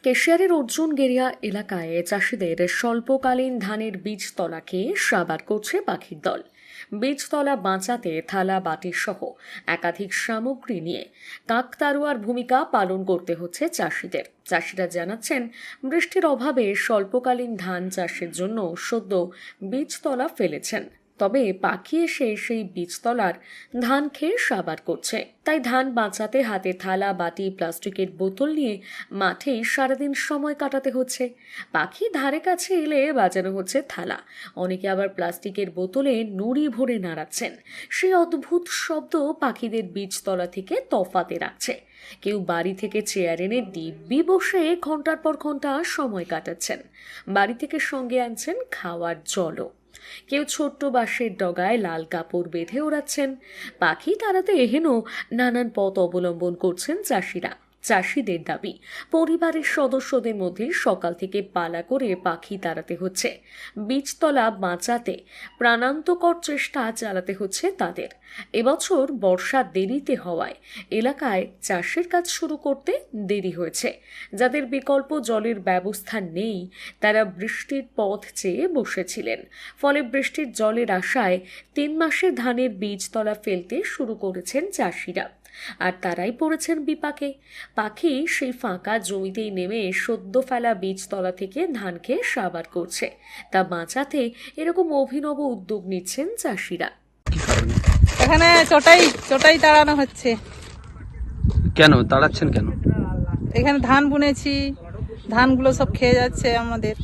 কেশিয়ারের অর্জুনগেরিয়া এলাকায় চাষিদের স্বল্পকালীন ধানের বীজতলা খেয়ে সাবার করছে পাখির দল। বীজতলা বাঁচাতে থালা বাটি সহ একাধিক সামগ্রী নিয়ে কাকতাড়ুয়ার ভূমিকা পালন করতে হচ্ছে চাষিদের। চাষিরা জানাচ্ছেন, বৃষ্টির অভাবে স্বল্পকালীন ধান চাষের জন্য সদ্য বীজতলা ফেলেছেন, তবে পাখি এসে সেই বীজতলার ধান খেয়ে সাবার করছে। তাই ধান বাঁচাতে হাতে থালা বাটি প্লাস্টিকের বোতল নিয়ে মাঠেই সারাদিন সময় কাটাতে হচ্ছে। পাখি ধারে কাছে এলে বাজানো হচ্ছে থালা, অনেকে আবার প্লাস্টিকের বোতলে নুড়ি ভরে নাড়াচ্ছেন। সেই অদ্ভুত শব্দ পাখিদের বীজতলা থেকে তফাতে রাখছে। কেউ বাড়ি থেকে চেয়ার এনে দিব্যি বসে ঘন্টার পর ঘন্টা সময় কাটাচ্ছেন। বাড়ি থেকে সঙ্গে আনছেন খাওয়ার জলও। কেউ ছোট্ট বাঁশের ডগায় লাল কাপড় বেঁধে ওড়াচ্ছেন। পাখি তাড়াতে এহেন নানান পথ অবলম্বন করছেন চাষিরা। চাষিদের দাবি, পরিবারের সদস্যদের মধ্যে সকাল থেকে পালা করে পাখি তাড়াতে হচ্ছে। বীজতলা বাঁচাতে প্রাণান্তকর চেষ্টা চালাতে হচ্ছে তাদের। এবছর বর্ষা দেরিতে হওয়ায় এলাকায় চাষের কাজ শুরু করতে দেরি হয়েছে। যাদের বিকল্প জলের ব্যবস্থা নেই, তারা বৃষ্টির পথ চেয়ে বসেছিলেন। ফলে বৃষ্টির জলের আশায় 3 মাসে ধানের বীজতলা ফেলতে শুরু করেছেন চাষিরা। আর তারাই পড়েছেন বিপাকে। পাখি সেই ফাঁকা জমিতেই নেমে সদ্য ফেলা বীজতলা থেকে ধান খেয়ে সাবার করছে। তা বাঁচাতে এরকম অভিনব উদ্যোগ নিচ্ছেন চাষিরা। এখানে চটাই তাড়ানো হচ্ছে। কেন তাড়াচ্ছেন? কেন? এখানে ধান বুনেছি, ধানগুলো সব খেয়ে যাচ্ছে আমাদের।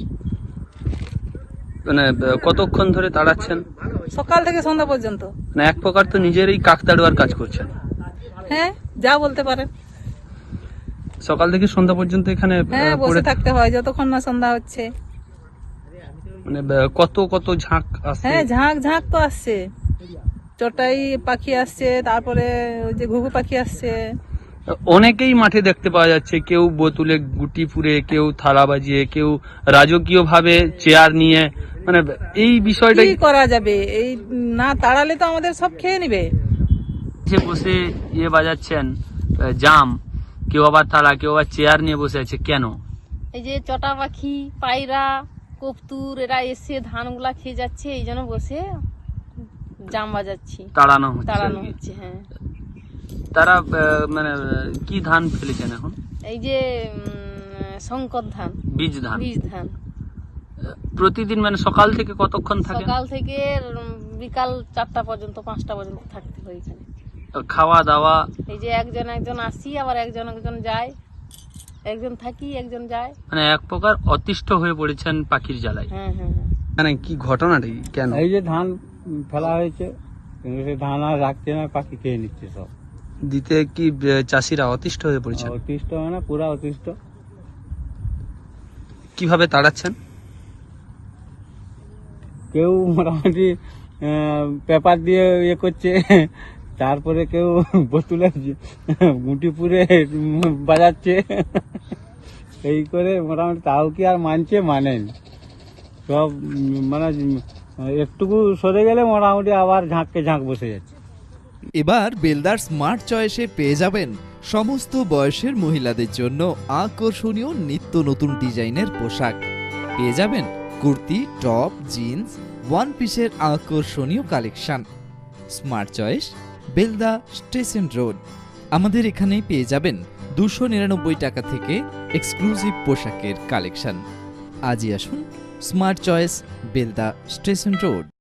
মানে কতক্ষণ ধরে তাড়াচ্ছেন? সকাল থেকে সন্ধ্যা পর্যন্ত। না, এক প্রকার তো নিজেরই কাকতাড়ুয়ার কাজ করছেন। হ্যাঁ, যা বলতে পারেন। সকাল থেকে সন্ধ্যা পর্যন্ত এখানে বসে থাকতে হয় যতক্ষণ না সন্ধ্যা হচ্ছে। মানে কত কত ঝাঁক আসছে? হ্যাঁ, ঝাঁক তো আসছে। চটাই পাখি আসছে, তারপরে ওই যে ঘুঘু পাখি আসছে। অনেকেই মাঠে দেখতে পাওয়া যাচ্ছে, কেউ বোতলে গুটি পুরে, কেউ থালা বাজিয়ে, কেউ রাজকীয় ভাবে চেয়ার নিয়ে। মানে এই বিষয়টা কি করা যাবে? এই না তাড়ালে তো আমাদের সব খেয়ে নিবে। বসে বাজাচ্ছেন জাম, কেউ আবার থালা, কেউ আবার চেয়ার নিয়ে বসে আছে। কেন? এই যে চটা পাখি, পায়রা, কপ্তুর এরা এসে ধানগুলা খেয়ে যাচ্ছে, এই জন্য বসে জাম বাজাচ্ছি, তাড়ানো হচ্ছে। হ্যাঁ, তারা মানে কি ধান ফেলেছেন এখন? এই যে শঙ্কর ধান, বীজ ধান। প্রতিদিন মানে সকাল থেকে কতক্ষণ থাকে? সকাল থেকে বিকাল 4টা পর্যন্ত, 5টা পর্যন্ত থাকতে হয় এখানে। খাওয়া দাওয়া? এই যে একজন আসি, আবার একজন যায়, একজন থাকি, একজন যায়। মানে এক প্রকার অতিষ্ঠ হয়ে পড়েছেন পাখির জ্বালায়। হ্যাঁ। মানে কি ঘটনাটা কেন? এই যে ধান ফেলা হয়েছে, কিন্তু সে ধান আর রাখছে না, পাখি খেয়ে নিচ্ছে সব। দিতে কি চাষিরা অতিষ্ঠ হয়ে পড়েছে? অতিষ্ঠ মানে পুরা অতিষ্ঠ। কিভাবে তাড়াচ্ছেন? কেউ মোটামুটি পেপার দিয়ে করছে, তারপরে কেউ বোতলে গুটি পুরে বাজাচ্ছে। এই করে মোটামুটি তাও কি আর মানেন সব। মানে একটুকু সরে গেলে মোটামুটি আবার ঝাঁক বসে যাচ্ছে। এবার বেলদার স্মার্ট চয়েসে পেয়ে যাবেন সমস্ত বয়সের মহিলাদের জন্য আকর্ষণীয় নিত্য নতুন ডিজাইনের পোশাক। পেয়ে যাবেন কুর্তি, টপ, জিন্স, ওয়ান পিসের আকর্ষণীয় collection. Smart choice, Belda station road. আমাদের এখানেই পেয়ে যাবেন 299 টাকা থেকে এক্সক্লুসিভ পোশাকের কালেকশন। আজই আসুন smart choice, Belda station road.